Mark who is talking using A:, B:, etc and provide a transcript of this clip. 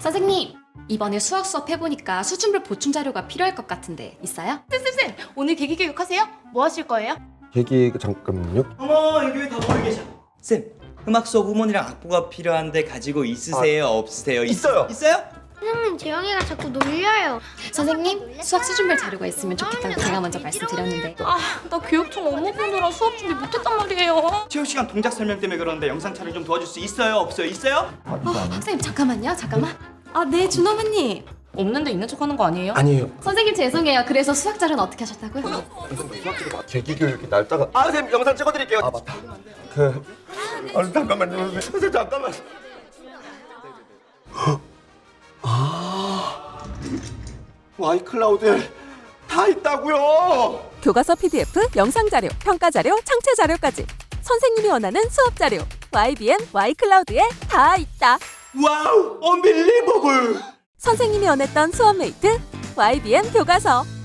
A: 선생님, 이번에 수학 수업 해보니까 수준별 보충 자료가 필요할 것 같은데 있어요?
B: 쌤, 오늘 계기교육 하세요? 뭐 하실 거예요?
C: 계기 잠깐만요.
D: 어머, 여기 왜 다 모여 계셔? 쌤, 음악 수업 후문이랑 악보가 필요한데 가지고 있으세요? 없으세요?
C: 있어요.
D: 있어요?
E: 선생님, 재영이가 자꾸 놀려요.
A: 선생님, 수학 수준별 자료가 있으면 좋겠다고 제가 먼저 말씀드렸는데.
B: 나 교육청 업무 보느라 수업 준비 못했단 말이에요.
D: 체육 시간 동작 설명 때문에 그러는데 영상 촬영 좀 도와줄 수 있어요? 없어요? 있어요?
A: 선생님 잠깐만요, 잠깐만.
B: 네, 준호부님. 없는데 있는 척하는 거 아니에요?
C: 아니에요.
A: 선생님 죄송해요. 그래서 수학 자료는 어떻게 하셨다고요?
C: 계기 교육이 날짜가 선생님 영상 찍어드릴게요. 맞다. 잠깐만요. 선생님 잠깐만. 와이클라우드에 다 있다고요.
F: 교과서 PDF, 영상 자료, 평가 자료, 창체 자료까지 선생님이 원하는 수업 자료 YBM Y클라우드에 다 있다.
D: 와우, 언빌리버블.
F: 선생님이 원했던 수업 메이트 YBM 교과서.